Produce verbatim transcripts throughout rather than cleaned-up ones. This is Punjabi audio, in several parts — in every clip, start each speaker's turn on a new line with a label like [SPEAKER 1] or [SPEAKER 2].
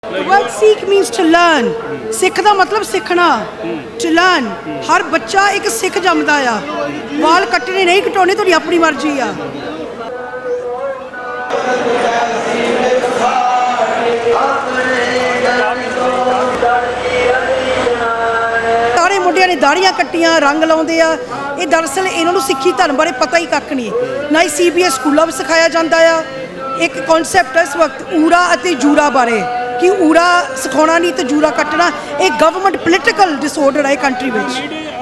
[SPEAKER 1] The word Sikh means to learn. ਸਿੱਖ ਦਾ ਮਤਲਬ ਸਿੱਖਣਾ. To learn. ਹਰ ਬੱਚਾ ਇੱਕ ਸਿੱਖ ਜੰਮਦਾ ਆ. ਵਾਲ ਕੱਟਣੇ ਨਹੀਂ ਕਟਾਉਣੇ ਤੁਹਾਡੀ ਆਪਣੀ ਮਰਜ਼ੀ ਆ. ਸਾਰੇ ਮੁੰਡਿਆਂ ਨੇ ਦਾੜੀਆਂ ਕੱਟੀਆਂ, ਰੰਗ ਲਾਉਂਦੇ ਆ. ਇਹ ਦਰਅਸਲ ਇਹਨਾਂ ਨੂੰ ਸਿੱਖੀ ਧਰਮ ਬਾਰੇ ਪਤਾ ਹੀ ਕੱਖ ਨਹੀਂ. ਨਾ ਹੀ ਸੀ ਬੀ ਐਸ ਸਕੂਲਾਂ ਵਿੱਚ ਸਿਖਾਇਆ ਜਾਂਦਾ ਆ. ਇੱਕ ਕਨਸੈਪਟ ਹੈ ਇਸ ਵਕਤ ਊਰਾ ਅਤੇ ਜੂਰਾ ਬਾਰੇ ਕਿ ਊਰਾ ਸਿਖਾਉਣਾ ਨਹੀਂ ਤੇ ਜੂਰਾ ਕੱਟਣਾ. ਇਹ ਗਵਰਨਮੈਂਟ ਪੋਲੀਟੀਕਲ ਡਿਸਆਰਡਰ ਹੈ ਕੰਟਰੀ ਵਿੱਚ.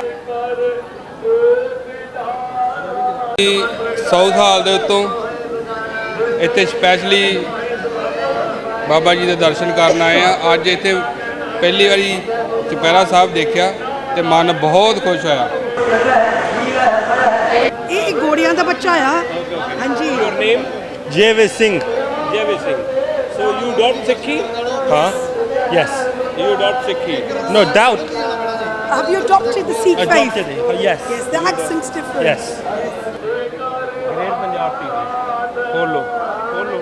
[SPEAKER 2] ਸਾਊਥ ਹਾਲ ਦੇ ਉੱਤੋਂ ਇੱਥੇ ਸਪੈਸ਼ਲੀ ਬਾਬਾ ਜੀ ਦੇ ਦਰਸ਼ਨ ਕਰਨ ਆਏ ਆ. ਅੱਜ ਇੱਥੇ ਪਹਿਲੀ ਵਾਰੀ ਚੁਪਹਿਰਾ ਸਾਹਿਬ ਦੇਖਿਆ ਤੇ ਮਨ ਬਹੁਤ ਖੁਸ਼ ਹੋਇਆ.
[SPEAKER 1] ਇਹ ਗੋੜਿਆਂ ਦਾ ਬੱਚਾ ਆ. ਹਾਂਜੀ.
[SPEAKER 3] Your name?
[SPEAKER 4] Javis Singh.
[SPEAKER 3] Javis Singh. So you adopt Sikhi?
[SPEAKER 4] Huh? Yes.
[SPEAKER 3] You adopt Sikhi?
[SPEAKER 4] No doubt.
[SPEAKER 1] Have you adopted the Sikh faith?
[SPEAKER 4] Adopted it. Oh, yes.
[SPEAKER 1] Yes, the accent's different.
[SPEAKER 4] Yes.
[SPEAKER 3] Great Punjab T V. Follow. Follow.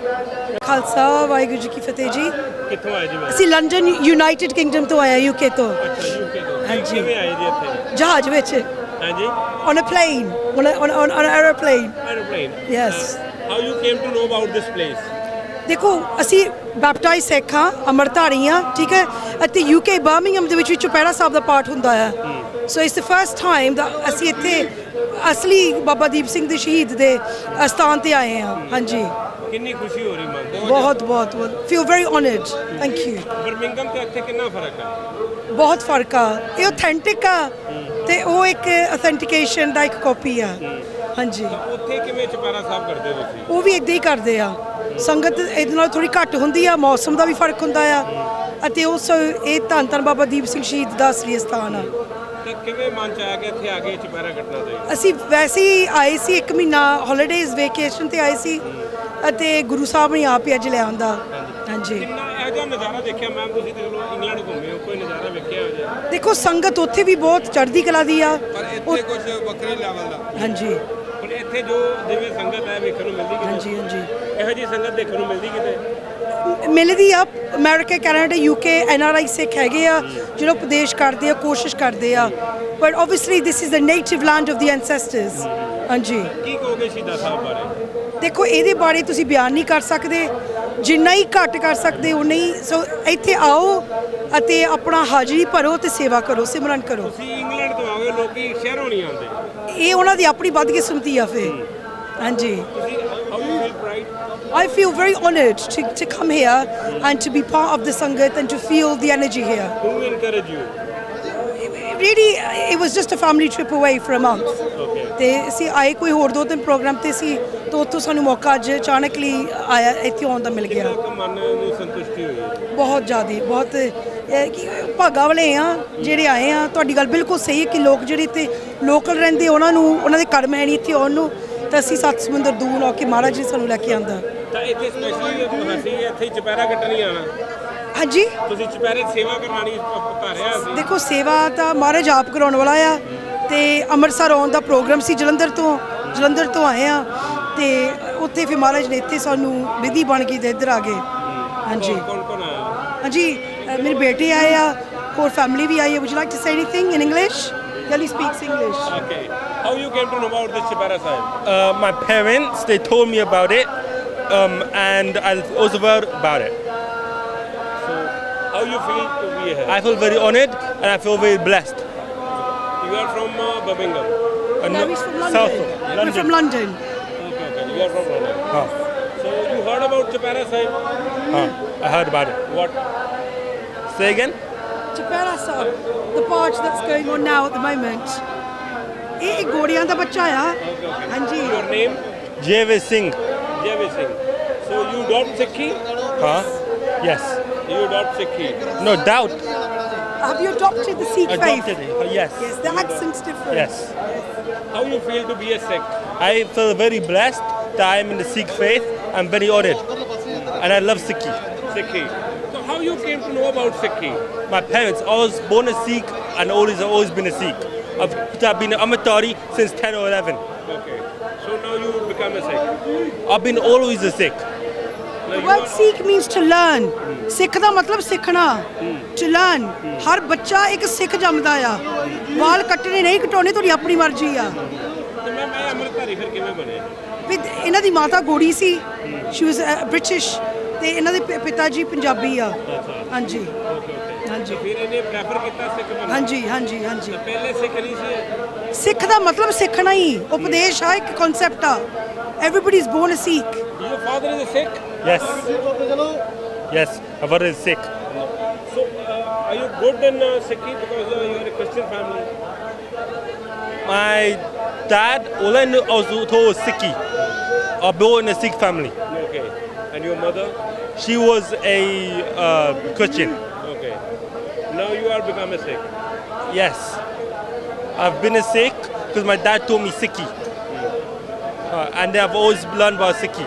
[SPEAKER 1] Khalsa Waheguru ਜੀ ਕੀ ਫਤਿਹ ਜੀ.
[SPEAKER 3] ਕਿੱਥੋਂ ਆਏ ਜੀ ਮੈਂ?
[SPEAKER 1] ਅਸੀਂ ਲੰਡਨ ਯੂਨਾਈਟਿਡ ਕਿੰਗਡਮ ਤੋਂ ਆਏ ਯੂਕੇ ਤੋਂ.
[SPEAKER 3] ਅੱਛਾ ਯੂਕੇ ਤੋਂ.
[SPEAKER 1] ਹਾਂਜੀ.
[SPEAKER 3] ਕਿਵੇਂ ਆਏ ਜੀ ਇੱਥੇ?
[SPEAKER 1] ਜਹਾਜ਼ ਵਿੱਚ.
[SPEAKER 3] ਹਾਂਜੀ.
[SPEAKER 1] On a plane. On a, on, on, on an aeroplane.
[SPEAKER 3] Aeroplane.
[SPEAKER 1] Yes.
[SPEAKER 3] Uh, how you came to know about this place?
[SPEAKER 1] ਦੇਖੋ ਅਸੀਂ ਬੈਪਟਾਈਜ਼ ਸਿੱਖ ਹਾਂ, ਅੰਮ੍ਰਿਤਧਾਰੀ ਹਾਂ, ਠੀਕ ਹੈ. ਅਤੇ ਯੂਕੇ ਬਰਮਿੰਗਮ ਦੇ ਵਿੱਚ ਵੀ ਚੁਪਹਿਰਾ ਸਾਹਿਬ ਦਾ ਪਾਠ ਹੁੰਦਾ ਆ. So it's the first time ਦਾ ਅਸੀਂ ਇੱਥੇ ਅਸਲੀ ਬਾਬਾ ਦੀਪ ਸਿੰਘ ਦੇ ਸ਼ਹੀਦ ਦੇ ਅਸਥਾਨ ਤੇ ਆਏ ਹਾਂ. ਹਾਂਜੀ.
[SPEAKER 3] ਕਿੰਨੀ ਖੁਸ਼ੀ ਹੋ ਰਹੀ ਮਨ ਤੇ?
[SPEAKER 1] ਬਹੁਤ ਬਹੁਤ ਬਹੁਤ feel very honoured. Thank you.
[SPEAKER 3] Birmingham ਤੇ ਇੱਥੇ ਕਿੰਨਾ ਫਰਕ ਹੈ?
[SPEAKER 1] ਬਹੁਤ ਫਰਕ ਆ. ਇਹ ਆਥੈਂਟਿਕ ਆ ਤੇ ਉਹ ਇੱਕ ਅਥੈਂਟੀਕੇਸ਼ਨ ਦਾ ਇੱਕ ਕਾਪੀ ਆ. ਹਾਂਜੀ.
[SPEAKER 3] ਉੱਥੇ ਕਿਵੇਂ ਚੁਪਹਿਰਾ ਸਾਹਿਬ ਕਰਦੇ ਹੋ ਤੁਸੀਂ?
[SPEAKER 1] ਉਹ ਵੀ ਇੱਦਾਂ ਹੀ ਕਰਦੇ ਆ. ਸੰਗਤ ਇਹਦੇ ਨਾਲ ਥੋੜੀ ਘੱਟ ਹੁੰਦੀ ਆ. ਮੌਸਮ ਦਾ ਵੀ ਫਰਕ ਹੁੰਦਾ ਆ. ਅਤੇ ਉਸ ਇਹ ਧੰਨ ਧੰਨ ਬਾਬਾ ਦੀਪ ਸਿੰਘ ਸ਼ਹੀਦ ਦਾ ਅਸਲੀ ਸਥਾਨ ਆ.
[SPEAKER 3] ਤੇ ਕਿਵੇਂ ਮਨ ਚ ਆਇਆ ਕਿ ਇੱਥੇ ਆ ਕੇ ਚੁਪਹਿਰਾ ਕੱਟਣਾ ਚਾਹੀਦਾ?
[SPEAKER 1] ਅਸੀਂ ਵੈਸੇ ਹੀ ਆਏ ਸੀ ਇੱਕ ਮਹੀਨਾ ਹੌਲੀਡੇਜ਼ ਵੇਕੇਸ਼ਨ ਤੇ ਆਏ ਸੀ ਅਤੇ ਗੁਰੂ ਸਾਹਿਬ ਨੇ ਆਪ ਹੀ ਅੱਜ ਲੈ ਆਉਂਦਾ. ਹਾਂਜੀ.
[SPEAKER 3] ਕਿੰਨਾ ਇਹੋ ਜਿਹਾ ਨਜ਼ਾਰਾ ਦੇਖਿਆ ਮੈਮ? ਤੁਸੀਂ ਤੇ ਚਲੋ ਇੰਗਲੈਂਡ ਘੁੰਮੇ ਹੋ, ਕੋਈ ਨਜ਼ਾਰਾ ਵੇਖਿਆ ਹੋ ਜਾ?
[SPEAKER 1] ਦੇਖੋ ਸੰਗਤ ਉੱਥੇ ਵੀ ਬਹੁਤ ਚੜ੍ਹਦੀ ਕਲਾ ਦੀ ਆ.
[SPEAKER 2] ਪਰ ਇੱਥੇ ਕੁਝ ਵੱਖਰੇ ਲੈਵਲ ਦਾ.
[SPEAKER 1] ਹਾਂਜੀ
[SPEAKER 3] ਪਰ ਇੱਥੇ ਜੋ ਜਿਵੇਂ ਸੰਗਤ ਹੈ ਵੇਖਣ ਨੂੰ ਮਿਲਦੀ ਕਿਤੇ?
[SPEAKER 1] ਹਾਂਜੀ ਹਾਂਜੀ
[SPEAKER 3] ਇਹੋ ਜਿਹੀ ਸੰਗਤ ਦੇਖਣ ਨੂੰ ਮਿਲਦੀ ਕਿਤੇ?
[SPEAKER 1] ਮਿਲਦੀ ਆ. America, Canada, UK N R I Sikh ਹੈਗੇ ਆ ਜਿਹੜੇ ਉਪਦੇਸ਼ ਕਰਦੇ ਆ, ਕੋਸ਼ਿਸ਼ ਕਰਦੇ ਆ. But obviously this is the native land of the ancestors. ਹਾਂਜੀ.
[SPEAKER 3] ਕੀ ਕਹੋਗੇ ਸ਼ਹੀਦਾਂ ਸਾਹਿਬ ਬਾਰੇ?
[SPEAKER 1] ਦੇਖੋ ਇਹਦੇ ਬਾਰੇ ਤੁਸੀਂ ਬਿਆਨ ਨਹੀਂ ਕਰ ਸਕਦੇ. ਜਿੰਨਾ ਹੀ ਘੱਟ ਕਰ ਸਕਦੇ ਉਨਾ ਹੀ. ਸੋ ਇੱਥੇ ਆਓ ਅਤੇ ਆਪਣਾ ਹਾਜ਼ਰੀ ਭਰੋ ਤੇ ਸੇਵਾ ਕਰੋ, ਸਿਮਰਨ ਕਰੋ.
[SPEAKER 3] ਤੁਸੀਂ ਇੰਗਲੈਂਡ ਤੋਂ ਆਓਗੇ, ਲੋਕੀ ਸ਼ਹਿਰੋਂ ਨਹੀਂ ਆਉਂਦੇ.
[SPEAKER 1] ਇਹ ਉਹਨਾਂ ਦੀ ਆਪਣੀ ਬਦਕਿਸਮਤੀ ਆ ਫਿਰ. ਹਾਂਜੀ.
[SPEAKER 3] ਤੁਸੀਂ how you feel pride?
[SPEAKER 1] I feel very honoured to, to come here and to be part of the Sangat and to feel the energy here.
[SPEAKER 3] Who encourage you?
[SPEAKER 1] Really, it was just a family trip away for a month.
[SPEAKER 3] Okay.
[SPEAKER 1] ਤੇ ਅਸੀਂ ਆਏ ਕੋਈ ਹੋਰ ਦੋ ਤਿੰਨ ਪ੍ਰੋਗਰਾਮ ਤੇ ਸੀ ਤਾਂ ਉੱਥੋਂ ਸਾਨੂੰ ਮੌਕਾ ਅੱਜ ਅਚਾਨਕ ਲਈ ਆਇਆ ਇੱਥੇ ਆਉਣ ਦਾ ਮਿਲ ਗਿਆ.
[SPEAKER 3] ਕਿੰਨਾ ਕੁ ਮਨ ਨੂੰ ਸੰਤੁਸ਼ਟੀ ਹੋਈ ਹੈ?
[SPEAKER 1] ਬਹੁਤ ਜ਼ਿਆਦਾ ਬਹੁਤ ਇਹ ਕਿ ਭਾਗਾ ਵਾਲੇ ਆ ਜਿਹੜੇ ਆਏ ਆ. ਤੁਹਾਡੀ ਗੱਲ ਬਿਲਕੁਲ ਸਹੀ ਹੈ ਕਿ ਲੋਕ ਜਿਹੜੇ ਇੱਥੇ ਲੋਕਲ ਰਹਿੰਦੇ ਉਹਨਾਂ ਨੂੰ ਉਹਨਾਂ ਦੇ ਕਰਮ ਹੈ ਨਹੀਂ ਇੱਥੇ ਆਉਣ ਨੂੰ. ਤਾਂ ਅਸੀਂ ਸੱਤ ਸਮੁੰਦਰ ਦੂਰ ਆ ਕੇ ਮਹਾਰਾਜ ਜੀ ਸਾਨੂੰ ਲੈ ਕੇ ਆਂਦਾ.
[SPEAKER 3] ਤਾਂ ਇੱਥੇ ਸਪੈਸ਼ਲੀ ਅਸੀਂ ਇੱਥੇ ਹੀ ਚੁਪਹਿਰਾ ਕੱਟਣ ਹੀ ਆਣਾ?
[SPEAKER 1] ਹਾਂਜੀ.
[SPEAKER 3] ਤੁਸੀਂ ਚੁਪਹਿਰੇ ਸੇਵਾ ਕਰਵਾਉਣੀ ਧਾਰਿਆ ਸੀ?
[SPEAKER 1] ਦੇਖੋ ਸੇਵਾ ਤਾਂ ਮਹਾਰਾਜ ਆਪ ਕਰਾਉਣ ਵਾਲਾ ਆ. ਤੇ ਅੰਮ੍ਰਿਤਸਰ ਆਉਣ ਦਾ ਪ੍ਰੋਗਰਾਮ ਸੀ ਜਲੰਧਰ ਤੋਂ. ਜਲੰਧਰ ਤੋਂ ਆਏ ਆ ਤੇ ਉੱਥੇ ਫਿਰ ਮਹਾਰਾਜ ਨੇ ਇੱਥੇ ਸਾਨੂੰ ਵਿਧੀ ਬਣ ਕੇ ਤੇ ਇੱਧਰ ਆ ਗਏ. ਹਾਂਜੀ.
[SPEAKER 3] ਕੌਣ ਕੌਣ ਆਇਆ?
[SPEAKER 1] ਹਾਂਜੀ ਮੇਰੇ ਬੇਟੇ ਆਏ ਆ, ਹੋਰ ਫੈਮਿਲੀ ਵੀ ਆਈ ਹੈ. Would you like to say anything in English? He speaks English.
[SPEAKER 3] Okay. How you came to know about this Chupara Sahib?
[SPEAKER 4] Uh, my parents, they told me about it, um, and I was aware about it.
[SPEAKER 3] So, how you feel to be here?
[SPEAKER 4] I feel very honored and I feel very blessed.
[SPEAKER 3] You are from uh, Birmingham.
[SPEAKER 4] Uh,
[SPEAKER 1] No, he's from London.
[SPEAKER 4] South of
[SPEAKER 1] We're
[SPEAKER 4] London.
[SPEAKER 1] from London.
[SPEAKER 3] Okay, okay. You are from London.
[SPEAKER 4] Huh.
[SPEAKER 3] So you heard about Chupara Sahib?
[SPEAKER 4] Huh. I heard about it.
[SPEAKER 3] What?
[SPEAKER 4] Say again?
[SPEAKER 1] Chupara Sahib, the barge that's going on now at the moment. ਇਹ ਗੋੜਿਆਂ ਦਾ ਬੱਚਾ ਆ. ਹਾਂਜੀ.
[SPEAKER 3] Your name?
[SPEAKER 4] Javis Singh.
[SPEAKER 3] Javis Singh. So you adopt Sikhi?
[SPEAKER 4] Huh? Yes.
[SPEAKER 3] You adopt Sikhi?
[SPEAKER 4] No doubt.
[SPEAKER 1] Have you adopted the Sikh faith?
[SPEAKER 4] Adopted it. Oh, yes.
[SPEAKER 1] Yes, the accent's different.
[SPEAKER 4] Yes.
[SPEAKER 3] How you feel to be a Sikh?
[SPEAKER 4] I feel very blessed that I am in the Sikh faith. I'm very honored. And I love Sikhi.
[SPEAKER 3] Sikhi. So how you came to know about Sikhi?
[SPEAKER 4] My parents, I was born a Sikh and always I've always been a Sikh. I've, I've been an Amatari since ten or eleven.
[SPEAKER 3] Okay. So now you become a Sikh?
[SPEAKER 4] I've been always a Sikh.
[SPEAKER 1] The word Sikh means to learn. ਸਿੱਖ ਦਾ ਮਤਲਬ ਸਿੱਖਣਾ, to learn। ਹਰ ਬੱਚਾ ਇੱਕ ਸਿੱਖ ਜੰਮਦਾ ਆ। ਵਾਲ ਕੱਟਣੇ ਨਹੀਂ ਕਟਾਉਣੇ ਤੁਹਾਡੀ ਆਪਣੀ ਮਰਜ਼ੀ ਆ।
[SPEAKER 3] ਤੇ ਮੈਂ ਮੈਂ ਅੰਮ੍ਰਿਤਧਾਰੀ ਫਿਰ ਕਿਵੇਂ ਬਣੇ?
[SPEAKER 1] ਵੀ ਇਹਨਾਂ ਦੀ ਮਾਤਾ ਗੋੜੀ ਸੀ, ਸ਼ੀ ਵਾਸ ਬ੍ਰਿਟਿਸ਼, ਤੇ ਇਹਨਾਂ ਦੇ ਪਿ- ਪਿਤਾ ਜੀ ਪੰਜਾਬੀ ਆ। ਹਾਂਜੀ
[SPEAKER 3] ਓਕੇ ਓਕੇ।
[SPEAKER 1] ਹਾਂਜੀ
[SPEAKER 3] ਫਿਰ ਇਹਨੇ ਪ੍ਰੈਫਰ ਕੀਤਾ ਸਿੱਖ ਬਣਨਾ?
[SPEAKER 1] ਹਾਂਜੀ ਹਾਂਜੀ ਹਾਂਜੀ।
[SPEAKER 3] ਪਹਿਲੇ ਸਿੱਖ ਨਹੀਂ ਸੀ?
[SPEAKER 1] ਸਿੱਖ ਦਾ ਮਤਲਬ ਸਿੱਖਣਾ ਹੀ, ਉਪਦੇਸ਼ ਆ, ਇੱਕ ਕਨਸੈਪਟ ਆ। Everybody is born a Sikh.
[SPEAKER 3] Your father is a Sikh?
[SPEAKER 4] Yes. Yes, my father is Sikh.
[SPEAKER 3] So, uh, are you good in uh, Sikhi because uh, you are a Christian family?
[SPEAKER 4] My dad, all I knew, I was told was Sikhi. I born in a Sikh family.
[SPEAKER 3] Okay. And your mother?
[SPEAKER 4] She was a uh, Christian.
[SPEAKER 3] Okay. Now you are become a Sikh.
[SPEAKER 4] Yes. I've been a Sikh because my dad taught me Sikhi. Uh, and I've always learned about Sikhi.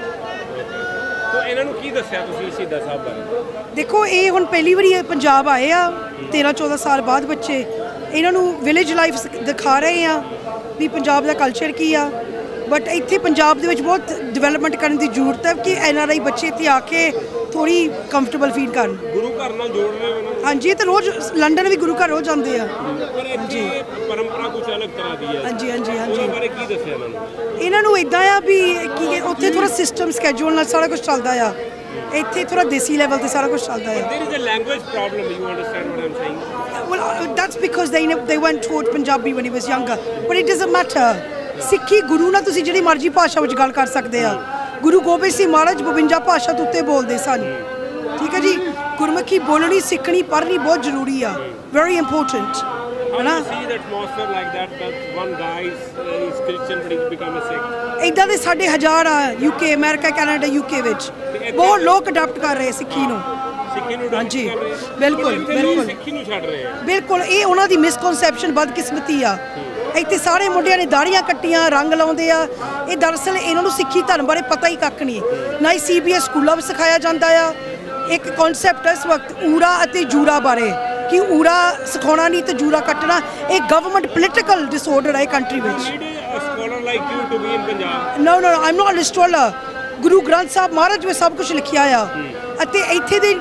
[SPEAKER 3] So, ਇਹਨਾਂ ਨੂੰ ਕੀ ਦੱਸਿਆ ਤੁਸੀਂ ਸ਼ਹੀਦਾਂ ਸਾਹਿਬ ਬਾਰੇ?
[SPEAKER 1] ਦੇਖੋ ਇਹ ਹੁਣ ਪਹਿਲੀ ਵਾਰੀ ਇਹ ਪੰਜਾਬ ਆਏ ਆ ਤੇਰਾਂ ਚੌਦਾਂ ਸਾਲ ਬਾਅਦ ਬੱਚੇ। ਇਹਨਾਂ ਨੂੰ ਵਿਲੇਜ ਲਾਈਫ ਦਿਖਾ ਰਹੇ ਆ ਵੀ ਪੰਜਾਬ ਦਾ ਕਲਚਰ ਕੀ ਆ। ਬਟ ਇੱਥੇ ਪੰਜਾਬ ਦੇ ਵਿੱਚ ਬਹੁਤ ਡਿਵੈਲਪਮੈਂਟ ਕਰਨ ਦੀ ਜ਼ਰੂਰਤ ਹੈ ਕਿ ਐਨ ਆਰ ਆਈ ਬੱਚੇ ਇੱਥੇ ਆ ਕੇ ਥੋੜੀ ਕੰਫਰਟੇਬਲ ਫੀਲ ਕਰਨ।
[SPEAKER 3] ਗੁਰੂ ਘਰ ਨਾਲ ਜੋੜ ਰਹੇ ਹੋ ਇਹਨਾਂ ਨੂੰ?
[SPEAKER 1] ਹਾਂਜੀ ਤੇ ਰੋਜ਼ ਲੰਡਨ ਵੀ ਗੁਰੂ ਘਰ ਰੋਜ਼ ਜਾਂਦੇ ਆ।
[SPEAKER 3] ਪਰ ਇੱਥੇ ਪਰੰਪਰਾ ਕੁਝ ਅਲੱਗ ਤਰ੍ਹਾਂ ਦੀ ਹੈ।
[SPEAKER 1] ਹਾਂਜੀ ਹਾਂਜੀ
[SPEAKER 3] ਉਹਦੇ
[SPEAKER 1] ਹਾਂਜੀ।
[SPEAKER 3] ਬਾਰੇ ਕੀ ਦੱਸਿਆ ਇਹਨਾਂ ਨੂੰ?
[SPEAKER 1] ਇਹਨਾਂ ਨੂੰ ਇਦਾਂ ਆ ਵੀ ਕੀ ਉੱਥੇ ਥੋੜਾ ਸਿਸਟਮ ਸਕੇਜੂਲ ਨਾਲ ਸਾਰਾ ਕੁਝ ਚੱਲਦਾ ਆ। ਇੱਥੇ ਥੋੜਾ ਦੇਸੀ ਲੈਵਲ ਤੇ ਸਾਰਾ ਕੁਝ ਚੱਲਦਾ ਆ।
[SPEAKER 3] There is a language problem. You understand what I'm saying?
[SPEAKER 1] Well, uh, that's because they ne- they weren't taught Punjabi when he was younger. But it doesn't matter. ਸਿੱਖੀ ਗੁਰੂ ਨਾਲ ਤੁਸੀਂ ਜਿਹੜੀ ਮਰਜ਼ੀ ਭਾਸ਼ਾ ਵਿੱਚ ਗੱਲ ਕਰ ਸਕਦੇ ਆ। ਗੁਰੂ ਗੋਬਿੰਦ ਸਿੰਘ ਮਹਾਰਾਜ ਬਵੰਜਾ ਭਾਸ਼ਾ ਤੋਂ ਉੱਤੇ ਬੋਲਦੇ ਸਨ। ਠੀਕ ਹੈ ਜੀ। ਗੁਰਮੁਖੀ ਬੋਲਣੀ ਸਿੱਖਣੀ ਪੜ੍ਹਨੀ ਬਹੁਤ ਜ਼ਰੂਰੀ ਆ। ਵੈਰੀ ਇੰਪੋਰਟੈਂਟ
[SPEAKER 3] How
[SPEAKER 1] ਹੈ
[SPEAKER 3] do
[SPEAKER 1] ਨਾ।
[SPEAKER 3] you see the atmosphere like that? That one guy is, uh, is Christian but he's become a Sikh.
[SPEAKER 1] ਇਦਾਂ ਦੇ ਸਾਡੇ ਹਜ਼ਾਰ ਆ ਯੂਕੇ, ਅਮਰੀਕਾ, ਕੈਨੇਡਾ, ਯੂਕੇ ਵਿੱਚ ਬਹੁਤ ਲੋਕ ਅਡਾਪਟ ਕਰ ਰਹੇ ਸਿੱਖੀ ਨੂੰ।
[SPEAKER 3] ਸਿੱਖੀ ਨੂੰ
[SPEAKER 1] ਹਾਂਜੀ,
[SPEAKER 3] adopt ਕਰ ਰਹੇ ਆ।
[SPEAKER 1] ਬਿਲਕੁਲ,
[SPEAKER 3] ਪਰ ਇੱਥੇ ਲੋਕ
[SPEAKER 1] ਬਿਲਕੁਲ।
[SPEAKER 3] ਸਿੱਖੀ ਨੂੰ ਛੱਡ ਰਹੇ ਆ।
[SPEAKER 1] ਬਿਲਕੁਲ ਇਹ ਉਹਨਾਂ ਦੀ ਮਿਸਕਨਸੈਪਸ਼ਨ ਬਦਕਿਸਮਤੀ ਆ। ਇੱਥੇ ਸਾਰੇ ਮੁੰਡਿਆਂ ਨੇ ਦਾੜੀਆਂ ਕੱਟੀਆਂ, ਰੰਗ ਲਾਉਂਦੇ ਆ। ਇਹ ਦਰਅਸਲ ਇਹਨਾਂ ਨੂੰ ਸਿੱਖੀ ਧਰਮ ਬਾਰੇ ਪਤਾ ਹੀ ਕੱਖ ਨਹੀਂ। ਨਾ ਹੀ ਸੀ ਬੀ ਐਸ ਸਕੂਲਾਂ ਵਿੱਚ ਸਿਖਾਇਆ ਜਾਂਦਾ ਆ। ਇੱਕ ਕਨਸੈਪਟ ਇਸ ਵਕਤ ਊਰਾ ਅਤੇ ਜੂਰਾ ਬਾਰੇ ਕਿ ਊਰਾ ਸਿਖਾਉਣਾ ਨਹੀਂ ਤੇ ਜੂਰਾ ਕੱਟਣਾ। ਇਹ ਗਵਰਨਮੈਂਟ ਪੋਲੀਟੀਕਲ ਡਿਸਆਰਡਰ ਹੈ ਕੰਟਰੀ ਵਿੱਚ।
[SPEAKER 3] You need a scholar like you to be in Punjab.
[SPEAKER 1] No no I am not a scholar. Guru Granth Sahib Maharaj ਵਿੱਚ ਸਭ ਕੁਝ ਲਿਖਿਆ ਆ। ਅਤੇ ਇੱਥੇ ਦੇ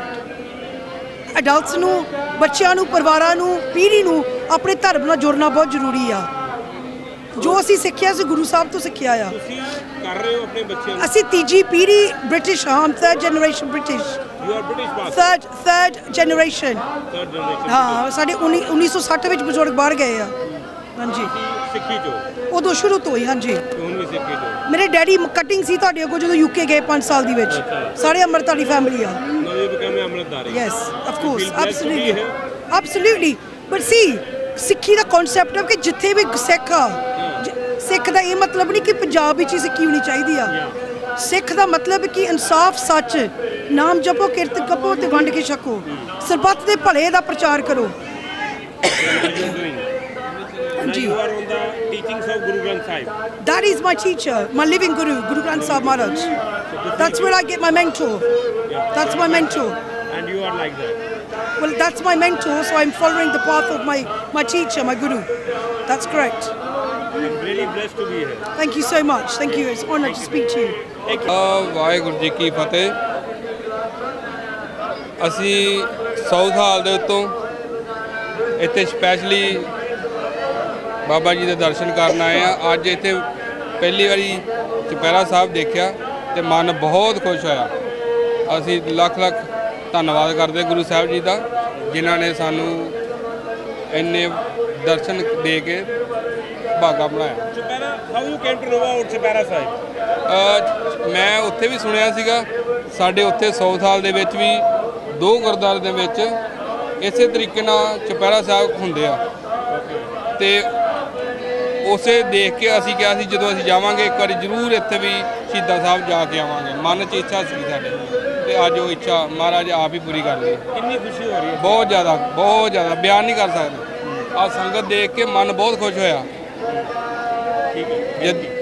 [SPEAKER 1] ਅਡਲਟਸ ਨੂੰ, ਬੱਚਿਆਂ ਨੂੰ, ਪਰਿਵਾਰਾਂ ਨੂੰ, ਪੀੜ੍ਹੀ ਨੂੰ ਆਪਣੇ ਧਰਮ ਨਾਲ ਜੁੜਨਾ ਬਹੁਤ ਜ਼ਰੂਰੀ ਆ। ਜੋ ਅਸੀਂ ਸਿੱਖਿਆ ਸੀ ਗੁਰੂ ਸਾਹਿਬ ਤੋਂ ਸਿੱਖਿਆ ਆ।
[SPEAKER 3] ਤੁਸੀਂ ਕਰ ਰਹੇ ਹੋ ਆਪਣੇ ਬੱਚਿਆਂ ਨੂੰ?
[SPEAKER 1] ਅਸੀਂ ਤੀਜੀ ਪੀੜ੍ਹੀ ਬ੍ਰਿਟਿਸ਼ ਹਾਂ, third generation British,
[SPEAKER 3] You are British passport.
[SPEAKER 1] Third third generation.
[SPEAKER 3] Third generation.
[SPEAKER 1] ਹਾਂ ਸਾਡੇ ਉੱਨੀ ਸੌ ਸੱਠ ਵਿੱਚ ਬਜ਼ੁਰਗ ਬਾਹਰ ਗਏ ਆ। ਹਾਂਜੀ
[SPEAKER 3] ਤੁਸੀਂ ਸਿੱਖੀ ਚੋਂ
[SPEAKER 1] ਉਦੋਂ ਸ਼ੁਰੂ ਤੋਂ ਹੀ। ਹਾਂਜੀ
[SPEAKER 3] ਤੇ ਹੁਣ ਵੀ ਸਿੱਖੀ ਚੋਂ।
[SPEAKER 1] ਮੇਰੇ ਡੈਡੀ ਕਟਿੰਗ ਸੀ ਤੁਹਾਡੇ ਅੱਗੋਂ ਜਦੋਂ ਯੂਕੇ ਗਏ ਪੰਜ ਸਾਲ ਦੀ ਵਿੱਚ। ਸਾਰੇ ਅੰਮ੍ਰਿਤਧਾਰੀ ਫੈਮਿਲੀ ਆ।
[SPEAKER 3] Now you become a Amritdhari.
[SPEAKER 1] Yes, of
[SPEAKER 3] You
[SPEAKER 1] course,
[SPEAKER 3] feel blessed to be
[SPEAKER 1] absolutely,
[SPEAKER 3] here?
[SPEAKER 1] absolutely. But see, ਸਿੱਖੀ ਦਾ ਕਨਸੈਪਟ ਹੈ ਕਿ ਜਿੱਥੇ ਵੀ ਸਿੱਖ ਆ, ਜ- ਸਿੱਖ ਦਾ ਇਹ ਮਤਲਬ ਨਹੀਂ ਕਿ ਪੰਜਾਬ ਵਿੱਚ ਹੀ ਸਿੱਖੀ ਹੋਣੀ ਚਾਹੀਦੀ ਆ। ਸਿੱਖ ਦਾ ਮਤਲਬ ਹੈ ਕਿ ਇਨਸਾਫ, ਸੱਚ, ਨਾਮ ਜਪੋ, ਕਿਰਤ ਕਪੋ ਤੇ ਵੰਡ ਕੇ ਛਕੋ, ਸਰਬੱਤ ਦੇ ਭਲੇ ਦਾ ਪ੍ਰਚਾਰ ਕਰੋ।
[SPEAKER 3] What you are doing. Now
[SPEAKER 1] ਹਾਂਜੀ
[SPEAKER 3] you are on the teachings of Guru Granth Sahib.
[SPEAKER 1] that is my teacher, my living guru, Guru Granth Sahib Maharaj. That's where I get my mentor. That's my mentor.
[SPEAKER 3] And you are like that.
[SPEAKER 1] Well, that's my mentor, so I'm following the path of my, my teacher, my guru. That's correct.
[SPEAKER 3] I'm really blessed to be here.
[SPEAKER 1] Thank you so much. Thank you. It's an honor to speak to you.
[SPEAKER 2] ਆ ਵਾਹਿਗੁਰੂ ਜੀ ਕੀ ਫਤਿਹ। ਅਸੀਂ ਸਾਊਥ ਹਾਲ ਦੇ ਉੱਤੋਂ ਇੱਥੇ ਸਪੈਸ਼ਲੀ ਬਾਬਾ ਜੀ ਦੇ ਦਰਸ਼ਨ ਕਰਨ ਆਏ ਆ। ਅੱਜ ਇੱਥੇ ਪਹਿਲੀ ਵਾਰੀ ਚੁਪਹਿਰਾ ਸਾਹਿਬ ਦੇਖਿਆ ਤੇ ਮਨ ਬਹੁਤ ਖੁਸ਼ ਹੋਇਆ। ਅਸੀਂ ਲੱਖ ਲੱਖ ਧੰਨਵਾਦ ਕਰਦੇ ਗੁਰੂ ਸਾਹਿਬ ਜੀ ਦਾ, ਜਿਨ੍ਹਾਂ ਨੇ ਸਾਨੂੰ ਇੰਨੇ ਦਰਸ਼ਨ ਦੇ ਕੇ ਭਾਗਾ ਬਣਾਇਆ।
[SPEAKER 3] Chupara, how you came to know about Chupara Sahib?
[SPEAKER 2] ਅ, ਮੈਂ ਉੱਥੇ ਵੀ ਸੁਣਿਆ ਸੀਗਾ। ਸਾਡੇ ਉੱਥੇ ਸਾਊਥ ਹਾਲ ਦੇ ਵਿੱਚ ਵੀ ਦੋ ਗੁਰਦੁਆਰੇ ਦੇ ਵਿੱਚ ਇਸੇ ਤਰੀਕੇ ਨਾਲ ਚੁਪਹਿਰਾ ਸਾਹਿਬ ਹੁੰਦੇ ਆ ਤੇ ਉਸੇ ਦੇਖ ਕੇ ਅਸੀਂ ਕਿਹਾ ਸੀ ਜਦੋਂ ਅਸੀਂ ਜਾਵਾਂਗੇ ਇੱਕ ਵਾਰੀ ਜ਼ਰੂਰ ਇੱਥੇ ਵੀ ਸ਼ਹੀਦਾਂ ਸਾਹਿਬ ਜਾ ਕੇ ਆਵਾਂਗੇ। ਮਨ 'ਚ ਇੱਛਾ ਸੀ ਸਾਡੇ ਤੇ ਅੱਜ ਉਹ ਇੱਛਾ ਮਹਾਰਾਜ ਆਪ ਹੀ ਪੂਰੀ ਕਰ ਲਈ।
[SPEAKER 3] ਕਿੰਨੀ ਖੁਸ਼ੀ ਹੋ ਰਹੀ ਹੈ?
[SPEAKER 2] ਬਹੁਤ ਜ਼ਿਆਦਾ, ਬਹੁਤ ਜ਼ਿਆਦਾ, ਬਿਆਨ ਨਹੀਂ ਕਰ ਸਕਦੇ। ਆ ਸੰਗਤ ਦੇਖ ਕੇ ਮਨ ਬਹੁਤ ਖੁਸ਼ ਹੋਇਆ।
[SPEAKER 3] ਠੀਕ ਹੈ।
[SPEAKER 2] ਜਦ